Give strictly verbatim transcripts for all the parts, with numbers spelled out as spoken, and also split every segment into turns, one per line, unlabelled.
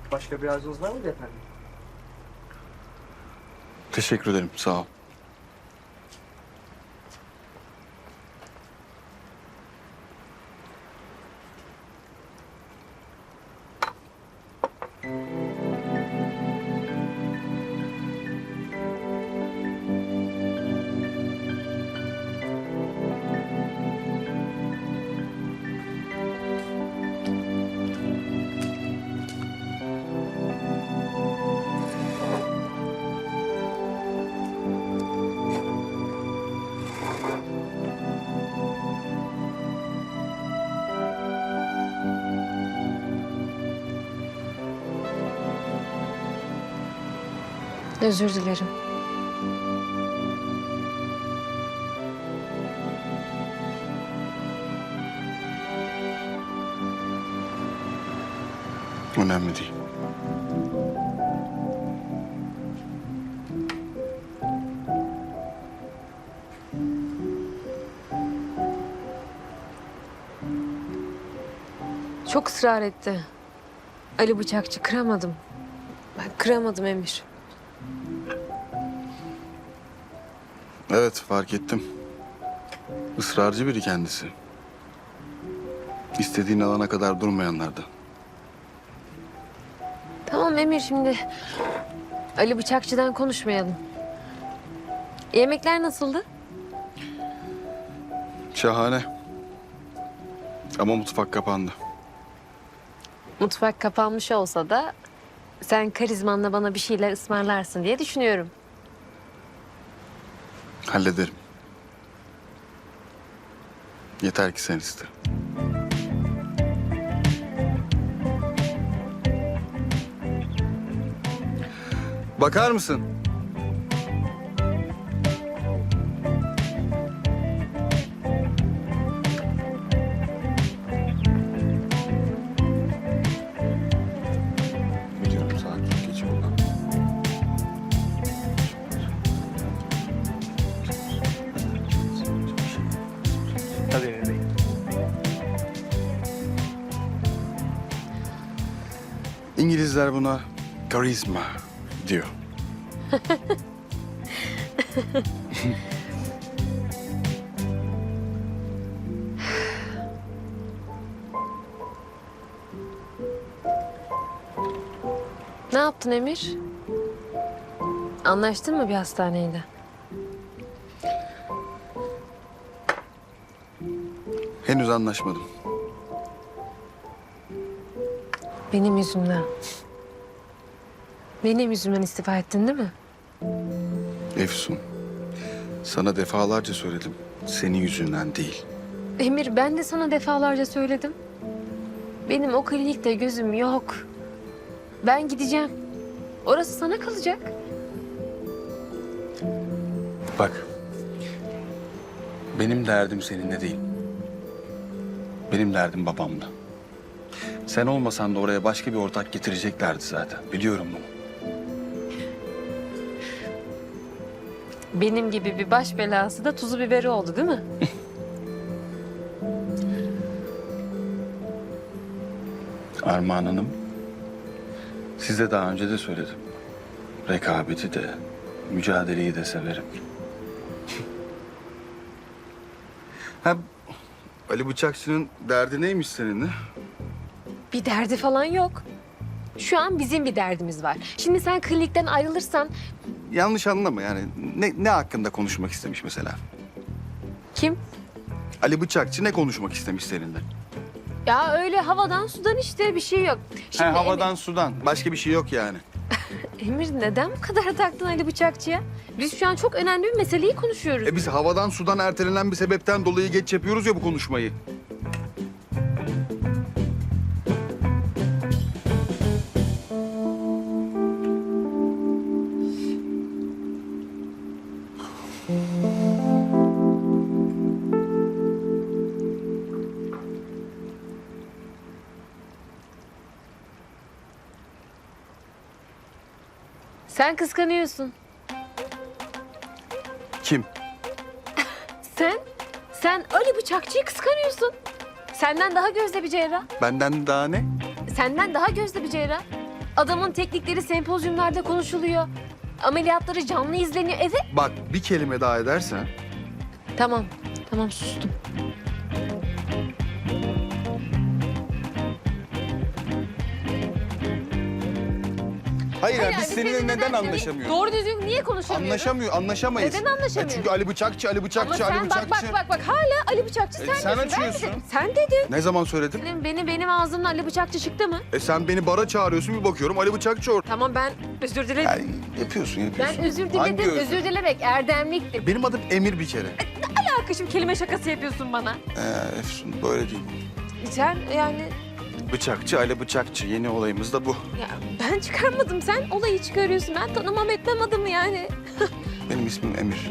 Başka bir arzunuz var mıydı efendim?
Teşekkür ederim, sağ ol.
Özür dilerim.
Önemli değil.
Çok ısrar etti. Ali Bıçakçı kıramadım. Ben kıramadım Emir.
Evet, fark ettim. Israrcı biri kendisi. İstediğin alana kadar durmayanlardan.
Tamam Emir, şimdi Ali Bıçakçı'dan konuşmayalım. Yemekler nasıldı?
Şahane. Ama mutfak kapandı.
Mutfak kapanmış olsa da sen karizmanla bana bir şeyler ısmarlarsın diye düşünüyorum.
Hallederim. Yeter ki sen iste. Bakar mısın? Biliyorum, sakin geç buradan.
Tabii Emir Bey.
İngilizler buna karizma diyor.
Ne yaptın Emir? Anlaştın mı bir hastaneyle?
Henüz anlaşmadım.
Benim yüzümden. Benim yüzümden istifa ettin değil mi?
Efsun, sana defalarca söyledim. Senin yüzünden değil.
Emir, ben de sana defalarca söyledim. Benim o klinikte gözüm yok. Ben gideceğim. Orası sana kalacak.
Bak, benim derdim seninle değil. Benim derdim babamla. Sen olmasan da oraya başka bir ortak getireceklerdi zaten. Biliyorum bunu.
Benim gibi bir baş belası da tuzu biberi oldu değil mi?
Armağan Hanım, size daha önce de söyledim. Rekabeti de, mücadeleyi de severim. Ha, Ali Bıçakçı'nın derdi neymiş seninle?
Bir derdi falan yok. Şu an bizim bir derdimiz var. Şimdi sen klinikten ayrılırsan
Yanlış anlama yani. Ne, ne hakkında konuşmak istemiş mesela?
kim?
Ali Bıçakçı ne konuşmak istemiş seninle?
Ya öyle havadan sudan işte bir şey yok. Şimdi
Ha, havadan sudan. Başka bir şey yok yani.
Emir, Emir neden bu kadar taktın Ali Bıçakçı'ya? Biz şu an çok önemli bir meseleyi konuşuyoruz.
E biz havadan sudan ertelenen bir sebepten dolayı geç yapıyoruz ya bu konuşmayı.
Sen kıskanıyorsun.
Kim?
Sen, sen Ali Bıçakçı'yı kıskanıyorsun. Senden daha gözde bir cerrah.
Benden daha ne?
Senden daha gözde bir cerrah. Adamın teknikleri sempozyumlarda konuşuluyor. Ameliyatları canlı izleniyor. Evet.
Bak bir kelime daha edersen...
Tamam, tamam sustum.
Hayır,
Hayır,
ya, biz
biz
seninle
seninle
neden
neden-
anlaşamıyoruz?
Doğru düzgün niye konuşamıyoruz?
Anlaşamıyor, anlaşamayız.
Neden anlaşamıyoruz?
E çünkü Ali Bıçakçı, Ali
Ama
Bıçakçı, Ali
sen bak
Bıçakçı.
bak bak bak hala Ali Bıçakçı
E,
sen,
sen
diyorsun. Ben
açıyorsun.
dedim. Sen dedin.
Ne zaman söyledim?
Benim, benim, benim ağzımdan Ali Bıçakçı çıktı mı?
E sen beni bara çağırıyorsun, bir bakıyorum Ali Bıçakçı orada.
Tamam ben özür dilerim.
Yani yapıyorsun, yapıyorsun.
Ben özür
Hangi
diledim.
özür?
Özür dilemek erdemliktir.
Benim adım Emir bir kere.
Arkadaşım kelime şakası yapıyorsun bana.
Ee, Efsun, böyle değil.
Sen yani
Bıçakçı, Ali Bıçakçı. Yeni olayımız da bu.
ya ben çıkarmadım. Sen olayı çıkarıyorsun. Ben tanımam etmem adamı yani.
Benim ismim Emir.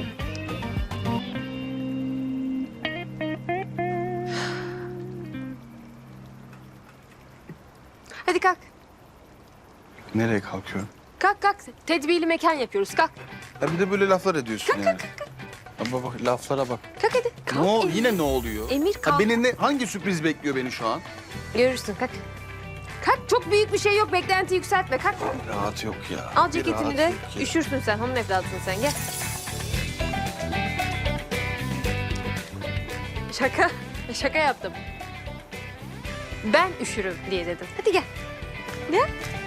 Hadi kalk.
Nereye kalkıyorum?
Kalk kalk. Tedbirli mekan yapıyoruz. Kalk.
Ya bir de böyle laflar ediyorsun yani. Ama bak laflara bak.
Kalk hadi. Kalk.
Ne ol,
Emir.
yine ne oluyor?
Emir
Ha,
kalk.
beni ne, hangi sürpriz bekliyor beni şu an?
Görürsün kalk. Kalk çok büyük bir şey yok. Beklenti yükseltme. Kalk.
Bir rahat yok ya.
Al
Bir
ceketini
rahat
de.
yok ya.
Üşürsün sen. Hanım evladısın sen. Gel. Şaka. Şaka yaptım. Ben üşürüm diye dedim. Hadi gel. Gel.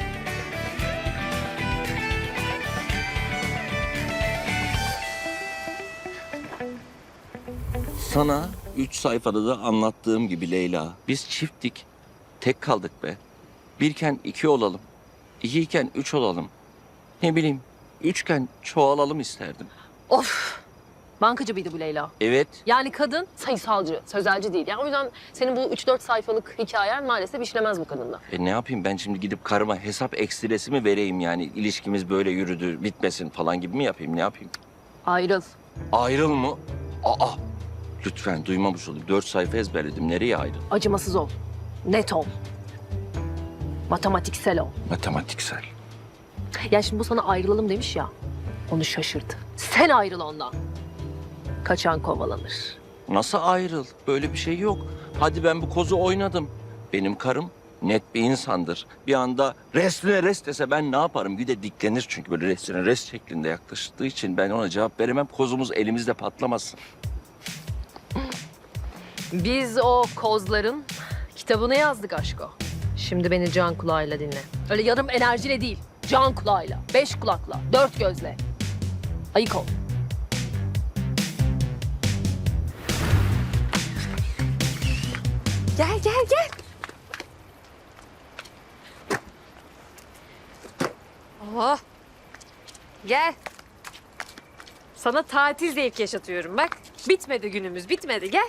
Sana üç sayfada da anlattığım gibi Leyla. Biz çifttik. Tek kaldık be. Birken iki olalım. İkiyken üç olalım. Ne bileyim, üçken çoğalalım isterdim.
Of. Bankacı mıydı bu Leyla?
Evet,
Yani kadın sayısalcı, sözelci değil. Yani o yüzden senin bu üç dört sayfalık hikayen maalesef işlemez bu kadında.
e ne yapayım ben şimdi gidip karıma hesap ekstresi mi vereyim yani ilişkimiz böyle yürüdü bitmesin falan gibi mi yapayım ne yapayım?
Ayrıl.
Ayrıl mı? Aa, lütfen duymamış olayım. Dört sayfa ezberledim. Nereye ayrıl?
Acımasız ol. Net ol. Matematiksel ol.
Matematiksel.
Ya şimdi bu sana ayrılalım demiş ya. Onu şaşırdı. Sen ayrıl ondan. Kaçan kovalanır.
Nasıl ayrıl? Böyle bir şey yok. Hadi ben bu kozu oynadım. Benim karım net bir insandır. Bir anda restine rest dese ben ne yaparım? Bir de diklenir çünkü böyle restine rest şeklinde yaklaştığı için ben ona cevap veremem. Kozumuz elimizde patlamasın.
Biz o kozların kitabını yazdık aşko. Şimdi beni can kulağıyla dinle. Öyle yarım enerjiyle değil. Can kulağıyla, beş kulakla, dört gözle. Ayık ol. Gel, gel, gel. Oh. Gel. Sana tatil zevki yaşatıyorum bak. Bitmedi günümüz, bitmedi. Gel.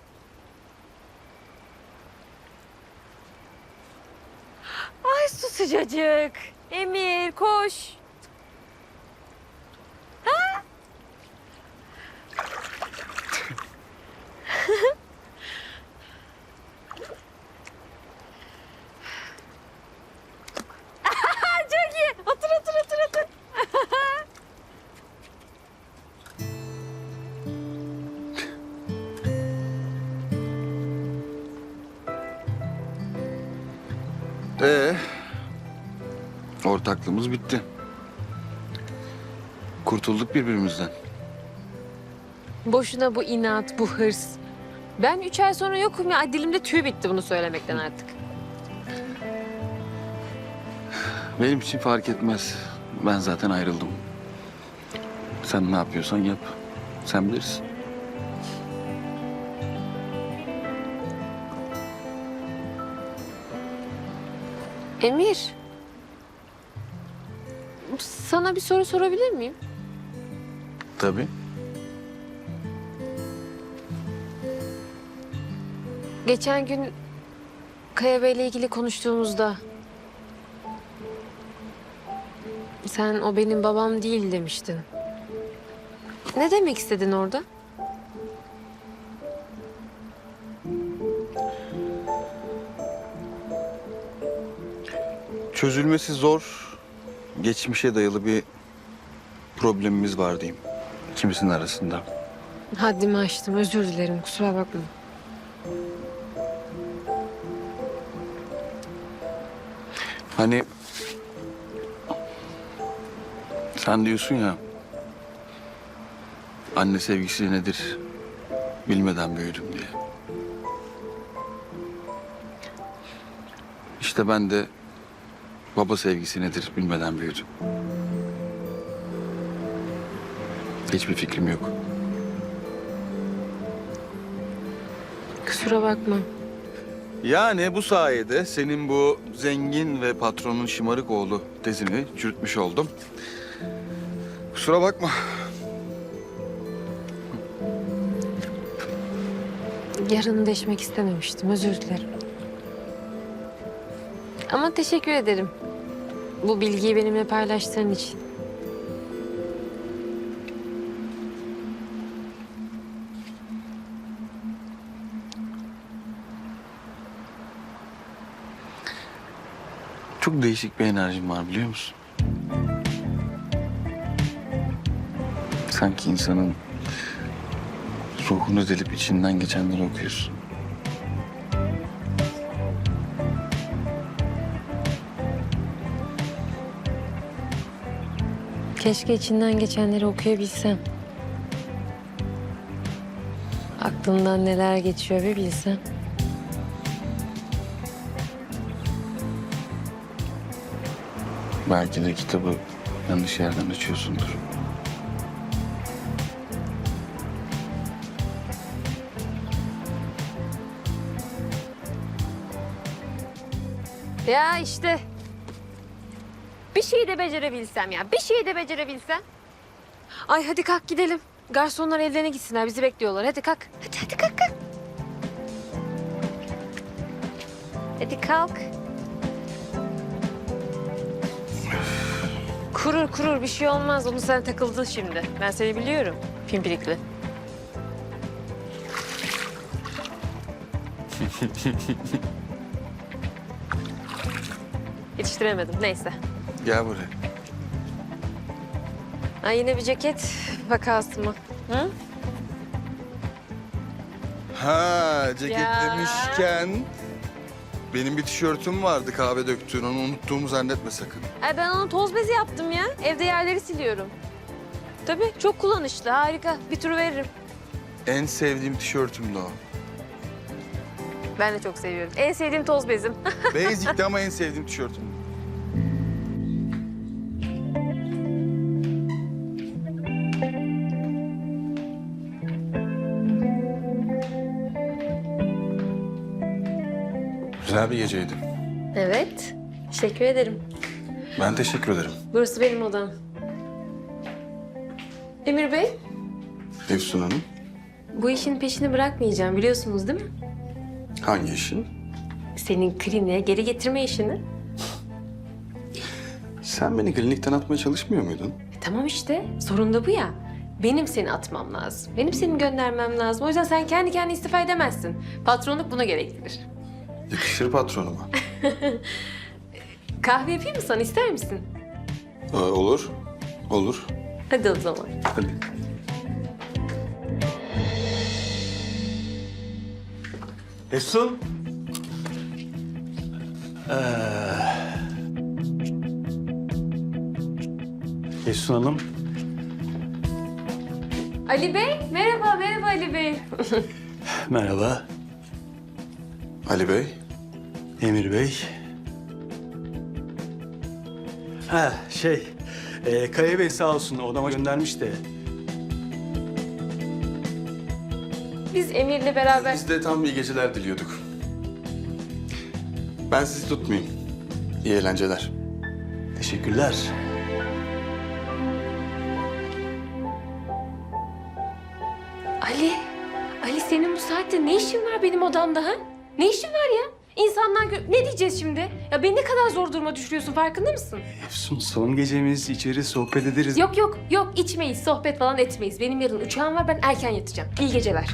Ay su sıcacık. Emir koş. Ha? Çok iyi. Otur otur otur otur.
Ee, ortaklığımız bitti. Kurtulduk birbirimizden.
Boşuna bu inat, bu hırs. Ben üç ay sonra yokum ya. Ay, dilimde tüy bitti bunu söylemekten artık.
Benim için fark etmez. Ben zaten ayrıldım. Sen ne yapıyorsan yap. Sen bilirsin.
Emir. Sana bir soru sorabilir miyim?
Tabii.
Geçen gün Kaya Bey'le ilgili konuştuğumuzda sen o benim babam değil demiştin. Ne demek istedin orada?
Çözülmesi zor, geçmişe dayalı bir problemimiz var diyeyim. İkimizin arasında.
Haddimi aştım. Özür dilerim. Kusura bakma.
Hani sen diyorsun ya, anne sevgisi nedir bilmeden büyüdüm diye. İşte ben de baba sevgisi nedir bilmeden büyüdüm. Hiçbir fikrim yok.
Kusura bakma.
Yani bu sayede senin bu zengin ve patronun şımarık oğlu tezini çürütmüş oldum. Kusura bakma.
Yarını deşmek istememiştim. Özür dilerim. Ama teşekkür ederim. Bu bilgiyi benimle paylaştığın için.
Çok değişik bir enerjim var biliyor musun? Sanki insanın ruhunu delip içinden geçenleri okuyorsun.
Keşke içinden geçenleri okuyabilsem. Aklımdan neler geçiyor bir bilsem.
Belki de kitabı yanlış yerden açıyorsundur.
Ya işte. Bir şeyi de becerebilsem ya. Bir şeyi de becerebilsem. Ay hadi kalk gidelim. Garsonlar evlerine gitsinler. Bizi bekliyorlar. Hadi kalk. Hadi hadi kalk kalk. Hadi kalk. Kurur kurur bir şey olmaz. Onu sen takıldın şimdi. Ben seni biliyorum. Pimpirikli. Yetiştiremedim. Neyse.
Gel buraya.
Ay yine bir ceket vakası mı? Hı?
Ha, ceket
Ya.
demişken benim bir tişörtüm vardı kahve döktüğün, onu unuttuğumu zannetme sakın.
Ay ben onu toz bezi yaptım ya. Evde yerleri siliyorum. Tabii çok kullanışlı, harika. Bir tur veririm.
En sevdiğim tişörtümdü o.
Ben de çok seviyorum. En sevdiğim toz bezim.
Basic'ti ama en sevdiğim tişörtüm. Güzel bir geceydi.
Evet. Teşekkür ederim.
Ben teşekkür ederim.
Burası benim odam. Emir Bey,
Efsun Hanım.
bu işin peşini bırakmayacağım biliyorsunuz değil mi?
Hangi işin?
Senin kliniğe geri getirme işini.
Sen beni klinikten atmaya çalışmıyor muydun?
E, tamam işte, sorun da bu ya. Benim seni atmam lazım. Benim seni göndermem lazım. O yüzden sen kendi kendine istifa edemezsin. Patronluk buna gerektirir.
Yakışır patronuma.
Kahve yapayım mı sana, ister misin?
Ee, olur. Olur.
Hadi o zaman.
Hadi.
Efsun. Ee... Efsun Hanım.
Ali Bey, merhaba, merhaba Ali Bey.
Merhaba.
Ali Bey.
Emir Bey. Ha şey, e, Kaya Bey sağ olsun odama göndermiş de.
Biz Emir'le beraber...
Biz de tam iyi geceler diliyorduk. Ben sizi tutmayayım. İyi eğlenceler.
Teşekkürler.
Ali, Ali senin bu saatte ne işin var benim odamda ha? Ne işin var ya? İnsanlar gö- ne diyeceğiz şimdi? Ya beni ne kadar zor duruma düşürüyorsun, farkında mısın?
Efsun son gecemiz, içeri sohbet ederiz.
Yok yok yok, içmeyiz, sohbet falan etmeyiz. Benim yarın uçağım var, ben erken yatacağım. İyi geceler.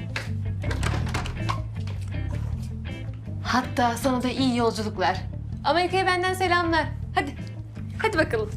Hatta sana da iyi yolculuklar. Amerika'ya benden selamlar. Hadi, hadi bakalım.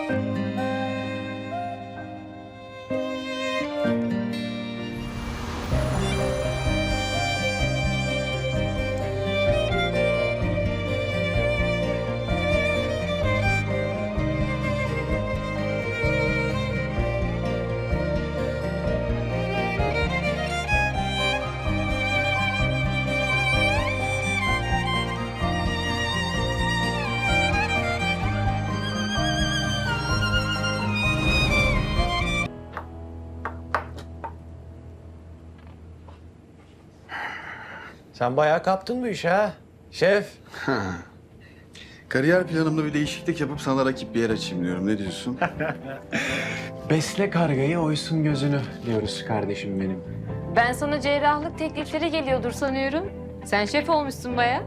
Sen bayağı kaptın bu işe ha. Şef.
Kariyer planımda bir değişiklik yapıp sana rakip bir yer açayım diyorum. Ne diyorsun?
Besle kargayı oysun gözünü diyoruz kardeşim benim.
Ben sana cerrahlık teklifleri geliyordur sanıyorum. Sen şef olmuşsun baya.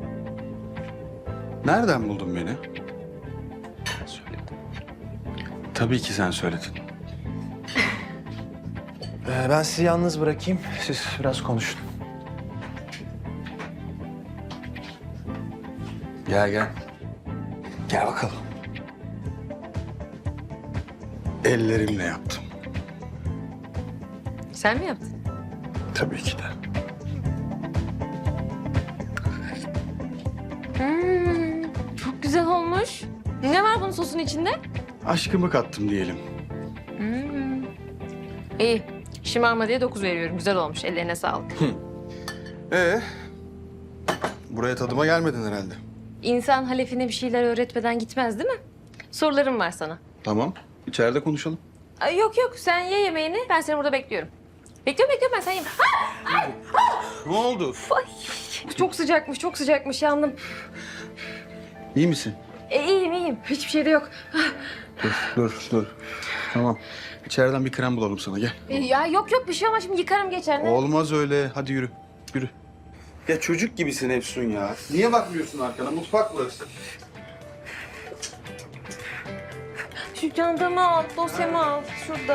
Nereden buldun beni? Tabii ki sen söyledin.
Ee, ben sizi yalnız bırakayım. Siz biraz konuşun.
Gel gel.
Gel bakalım.
Ellerimle yaptım.
Sen mi yaptın?
Tabii ki de.
Hmm, çok güzel olmuş. Ne var bunun sosun içinde?
Aşkımı kattım diyelim.
Hmm. İyi. Şımarma diye dokuz veriyorum. Güzel olmuş. Ellerine sağlık.
Ee, buraya tadıma gelmedin herhalde.
İnsan halefine bir şeyler öğretmeden gitmez değil mi? Sorularım var sana.
Tamam. İçeride konuşalım.
Ay, yok yok. Sen ye yemeğini. Ben seni burada bekliyorum. Bekliyorum bekliyorum ben sen yeme. Ah!
Ne oldu?
Ay, çok sıcakmış, çok sıcakmış. Yandım.
İyi misin?
E, iyiyim, iyiyim. Hiçbir şey de yok.
Dur, dur, dur. Tamam. İçeriden bir krem bulalım sana. Gel.
E, ya yok yok bir şey ama şimdi yıkarım geçer. Ne?
Olmaz öyle. Hadi yürü. Yürü. Ya çocuk gibisin Efsun ya. Niye bakmıyorsun arkana? Mutfak burası.
Şu çantamı al, dosyamı al. Şurada.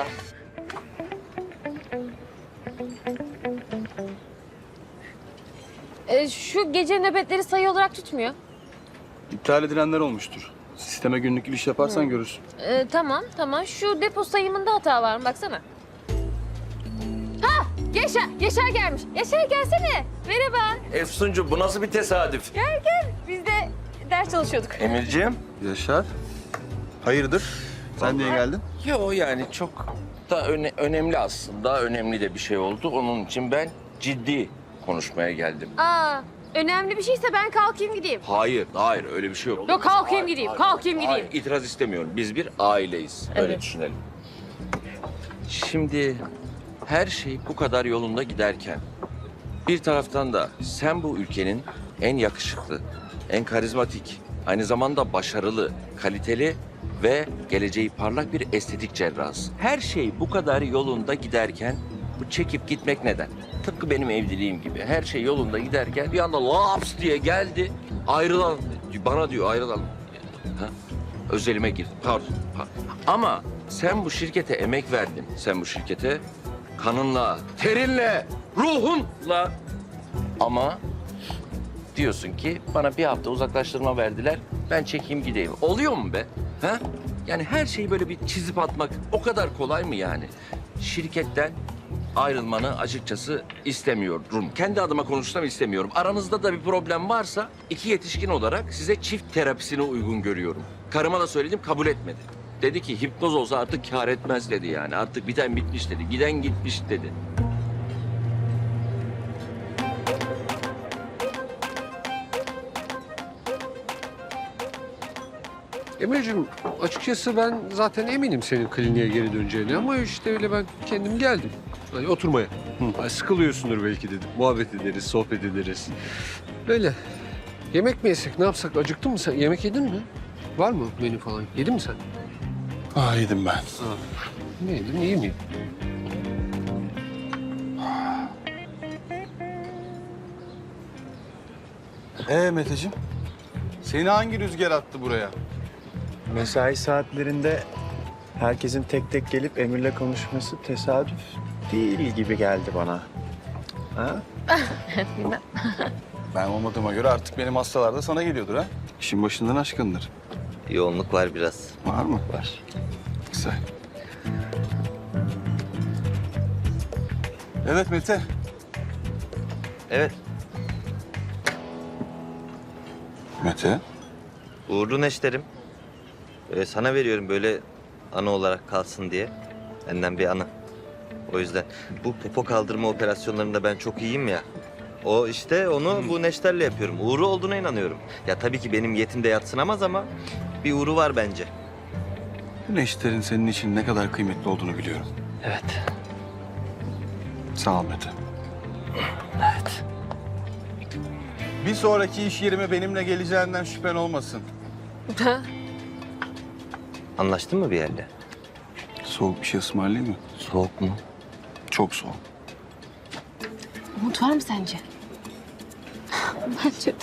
E, şu gece nöbetleri sayı olarak tutmuyor.
İptal edilenler olmuştur. Sisteme günlük giriş yaparsan görürsün.
E, tamam, tamam. Şu depo sayımında hata var mı? Baksana. Ha! Yaşar, Yaşar gelmiş. Yaşar gelsene. Merhaba.
Efsuncu bu nasıl bir tesadüf?
Gel gel. Biz de ders çalışıyorduk.
Emirciğim.
Yaşar. Hayırdır? Sen niye geldin?
Yo yani çok da öne- önemli aslında. Önemli de bir şey oldu. Onun için ben ciddi konuşmaya geldim.
Aa, önemli bir şeyse ben kalkayım gideyim.
Hayır, hayır öyle bir şey yok.
Yok, kalkayım
Hayır,
gideyim,
hayır,
kalkayım
hayır.
gideyim.
İtiraz istemiyorum. Biz bir aileyiz. Öyle
Evet.
düşünelim. Şimdi her şey bu kadar yolunda giderken bir taraftan da sen bu ülkenin en yakışıklı, en karizmatik, aynı zamanda başarılı, kaliteli ve geleceği parlak bir estetik cerrahısın. Her şey bu kadar yolunda giderken bu çekip gitmek neden? Tıpkı benim evliliğim gibi. Her şey yolunda giderken bir anda laps diye geldi. Ayrılalım. Bana diyor ayrılalım. Ha? Özelime girdi. Pardon, pardon. Ama sen bu şirkete emek verdin. Sen bu şirkete kanınla, terinle, ruhunla. Ama diyorsun ki bana bir hafta uzaklaştırma verdiler. Ben çekeyim gideyim. Oluyor mu be? Ha? Yani her şeyi böyle bir çizip atmak o kadar kolay mı yani? Şirketten ayrılmanı açıkçası istemiyorum. Kendi adıma konuşsam istemiyorum. Aranızda da bir problem varsa iki yetişkin olarak size çift terapisine uygun görüyorum. Karıma da söyledim kabul etmedi. Dedi ki hipnoz olsa artık kâr etmez dedi yani. Artık biten bitmiş dedi. Giden gitmiş dedi.
Emir'cim açıkçası ben zaten eminim senin kliniğe geri döneceğine ama işte öyle ben kendim geldim. Hani oturmaya. Hani sıkılıyorsundur belki dedim. Muhabbet ederiz, sohbet ederiz. Böyle. Yemek mi yesek, ne yapsak? Acıktın mı sen? Yemek yedin mi? Var mı menü falan? Yedin mi sen?
Ah yedim ben.
Ne yedin, iyi miyim?
Ee Meteciğim? Seni hangi rüzgar attı buraya?
Mesai saatlerinde herkesin tek tek gelip Emir'le konuşması tesadüf değil gibi geldi bana. Ha?
Ben olmadığıma göre artık benim hastalar da sana geliyordur ha? İşin başından aşkındır.
Yoğunluk var biraz.
Var mı?
Var.
Güzel. Evet Mete.
Evet.
Mete.
Uğurlu neşterim. Ee, sana veriyorum böyle anı olarak kalsın diye. Benden bir anı. O yüzden bu popo kaldırma operasyonlarında ben çok iyiyim ya. O işte onu bu neşterle yapıyorum. Uğru olduğuna inanıyorum. Ya tabii ki benim yetimde yatsınamaz ama bir uğru var bence.
Bu neşterin senin için ne kadar kıymetli olduğunu biliyorum.
Evet.
Sağ ol Mete.
Evet.
Bir sonraki iş yerime benimle geleceğinden şüphen olmasın.
Anlaştın mı bir yerle?
Soğuk bir şey ısmarlayayım mı?
Soğuk mu?
Çok soğuk.
Umut var mı sence? Bence de.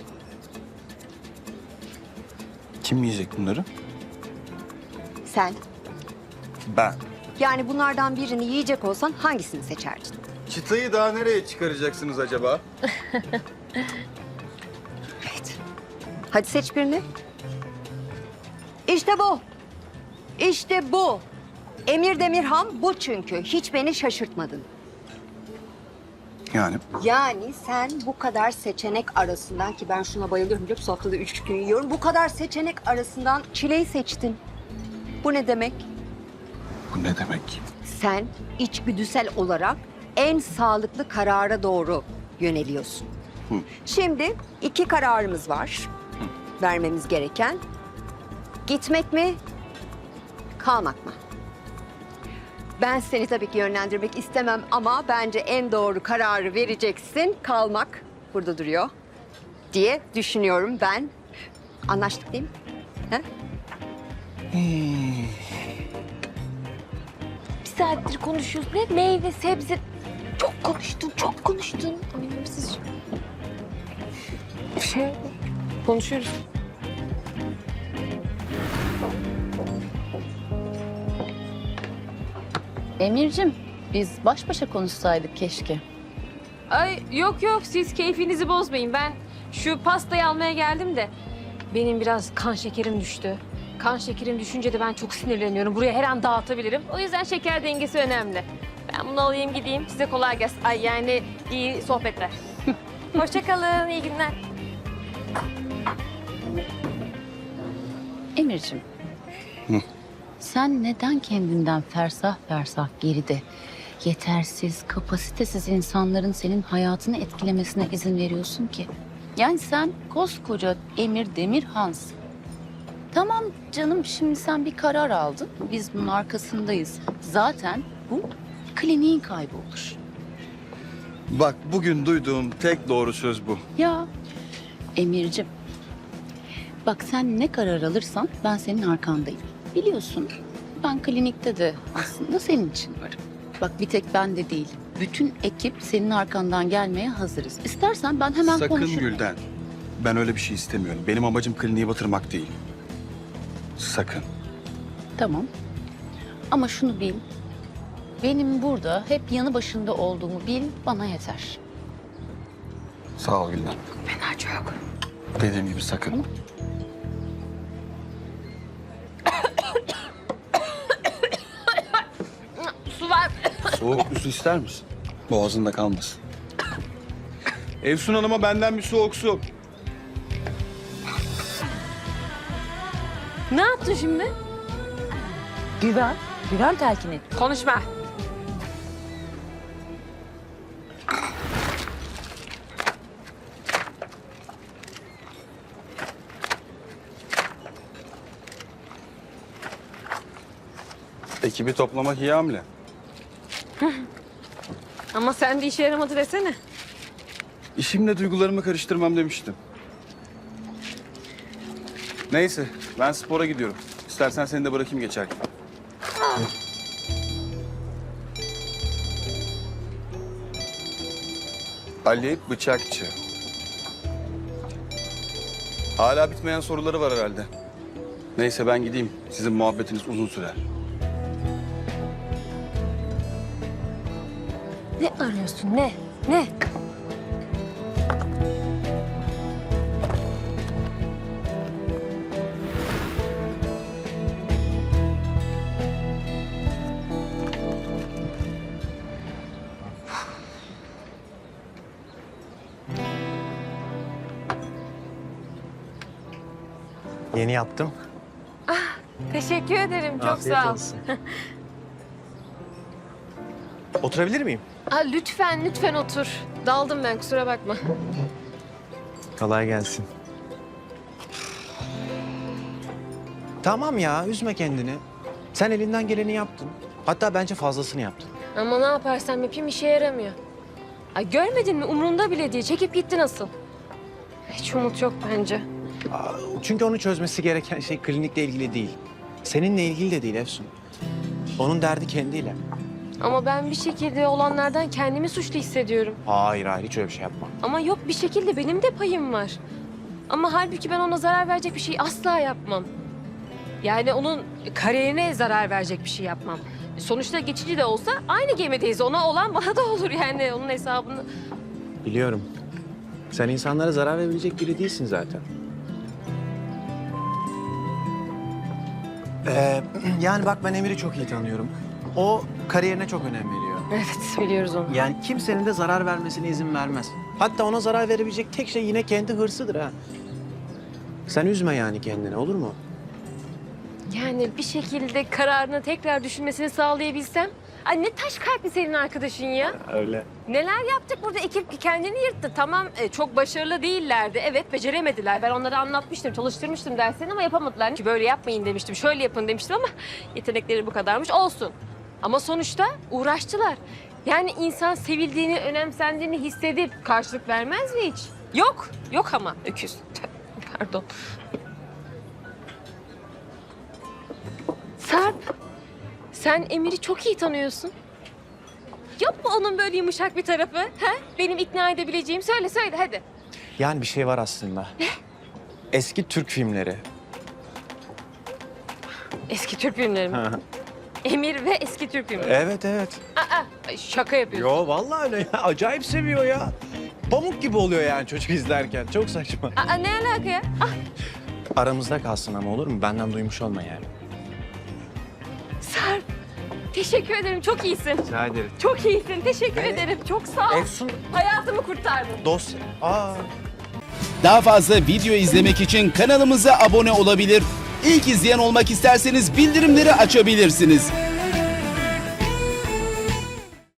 Kim yiyecek bunları?
Sen.
Ben.
Yani bunlardan birini yiyecek olsan hangisini seçerdin?
Çıtayı daha nereye çıkaracaksınız acaba?
Evet. Hadi seç birini. İşte bu. İşte bu. Emir Demirhan bu çünkü. Hiç beni şaşırtmadın.
Yani
Yani sen bu kadar seçenek arasından, ki ben şuna bayılıyorum biliyor musun? Haftada üç gün yiyorum. Bu kadar seçenek arasından çileyi seçtin. Bu ne demek?
bu ne demek?
Sen içgüdüsel olarak en sağlıklı karara doğru yöneliyorsun.
Hı.
Şimdi iki kararımız var. Vermemiz gereken. Gitmek mi, kalmak mı? Ben seni tabii ki yönlendirmek istemem ama bence en doğru kararı vereceksin. Kalmak burada duruyor diye düşünüyorum ben. Anlaştık değil mi? He?
Bir saattir konuşuyoruz. Ne meyve, sebze. Çok konuştun, çok konuştun. Anlamsız. Bir şey konuşuyoruz.
Emir'cim, biz baş başa konuşsaydık keşke.
Ay yok yok, siz keyfinizi bozmayın. Ben şu pastayı almaya geldim de benim biraz kan şekerim düştü. Kan şekerim düşünce de ben çok sinirleniyorum. Buraya her an dağıtabilirim. O yüzden şeker dengesi önemli. Ben bunu alayım gideyim. Size kolay gelsin. Ay yani iyi sohbetler. Hoşça kalın, iyi günler.
Emir'cim, sen neden kendinden fersah fersah geride, yetersiz, kapasitesiz insanların senin hayatını etkilemesine izin veriyorsun ki? Yani sen koskoca Emir Demirhan'sın. Tamam canım, şimdi sen bir karar aldın. Biz bunun arkasındayız. Zaten bu kliniğin kaybı olur.
Bak bugün duyduğum tek doğru söz bu.
Ya Emir'cim, bak sen ne karar alırsan ben senin arkandayım. Biliyorsun ben klinikte de aslında senin için varım. Bak bir tek ben de değil. Bütün ekip senin arkandan gelmeye hazırız. İstersen ben hemen
Sakın
konuşurum.
Gülden. Ben öyle bir şey istemiyorum. Benim amacım kliniği batırmak değil. Sakın.
Tamam. Ama şunu bil. Benim burada hep yanı başında olduğumu bil, bana yeter.
Sağ ol Gülden.
Fena çok.
Dediğim gibi sakın.
Su var.
Soğuk bir su ister misin? Boğazında kalmasın. Efsun Hanım'a benden bir soğuk su.
Ne yaptın şimdi?
Güven, güven telkin et.
Konuşma.
Ekibi toplamak iyi hamle.
Ama sen de işe yaramadı desene.
İşimle duygularımı karıştırmam demiştim. Neyse, ben spora gidiyorum. İstersen seni de bırakayım geçerken. Ali Bıçakçı. Hala bitmeyen soruları var herhalde. Neyse ben gideyim. Sizin muhabbetiniz uzun sürer.
Ne arıyorsun ne? Ne?
Yeni yaptım.
Teşekkür ederim. Çok
Afiyet
sağ ol.
olsun. Oturabilir miyim?
Aa, lütfen lütfen otur. Daldım ben kusura bakma.
Kolay gelsin. Tamam ya, üzme kendini. Sen elinden geleni yaptın. Hatta bence fazlasını yaptın.
Ama ne yaparsam yapayım işe yaramıyor. Ay görmedin mi umrunda bile değil. Çekip gitti nasıl? Hiç umut yok bence.
Aa, Çünkü onu çözmesi gereken şey klinikle ilgili değil. Seninle ilgili de değil Efsun. Onun derdi kendiyle.
Ama ben bir şekilde olanlardan kendimi suçlu hissediyorum.
Hayır hayır, hiç öyle bir şey yapma.
Ama yok bir şekilde benim de payım var. Ama halbuki ben ona zarar verecek bir şey asla yapmam. Yani onun kariyerine zarar verecek bir şey yapmam. Sonuçta geçici de olsa aynı gemideyiz. Ona olan bana da olur yani onun hesabını.
Biliyorum. Sen insanlara zarar verebilecek biri değilsin zaten. Ee, yani bak ben Emir'i çok iyi tanıyorum. O kariyerine çok önem veriyor.
Evet biliyoruz onu.
Yani kimsenin de zarar vermesine izin vermez. Hatta ona zarar verebilecek tek şey yine kendi hırsıdır ha. Sen üzme yani kendini, olur mu?
Yani bir şekilde kararını tekrar düşünmesini sağlayabilsem. Ay ne taş kalpli senin arkadaşın ya.
Öyle.
Neler yaptık burada ekip kendini yırttı. Tamam e, çok başarılı değillerdi. Evet beceremediler. Ben onlara anlatmıştım, çalıştırmıştım derslerini ama yapamadılar. Ki böyle yapmayın demiştim, şöyle yapın demiştim ama yetenekleri bu kadarmış. Olsun. Ama sonuçta uğraştılar. Yani insan sevildiğini, önemsendiğini hissedip karşılık vermez mi hiç? Yok, yok ama öküz. Pardon. Sarp, sen Emir'i çok iyi tanıyorsun. Yok mu onun böyle yumuşak bir tarafı? Ha? Benim ikna edebileceğim. Söyle söyle hadi.
Yani bir şey var aslında. Ne? Eski Türk filmleri.
Eski Türk filmleri mi? Emir ve eski Türk filmleri.
Evet evet.
Aa, şaka yapıyorsun.
Yo vallahi öyle ya. Acayip seviyor ya. Pamuk gibi oluyor yani çocuk izlerken. Çok saçma.
Aa, ne alaka ya? Ah,
Aramızda kalsın ama olur mu? Benden duymuş olma yani.
Sarp, teşekkür ederim. Çok iyisin.
Rica ederim.
Çok iyisin. Teşekkür
Evet.
ederim. Çok sağ ol.
Efsun
Hayatımı kurtardın.
dosya. Aa.
Daha fazla video izlemek için kanalımıza abone olabilir. İlk izleyen olmak isterseniz bildirimleri açabilirsiniz.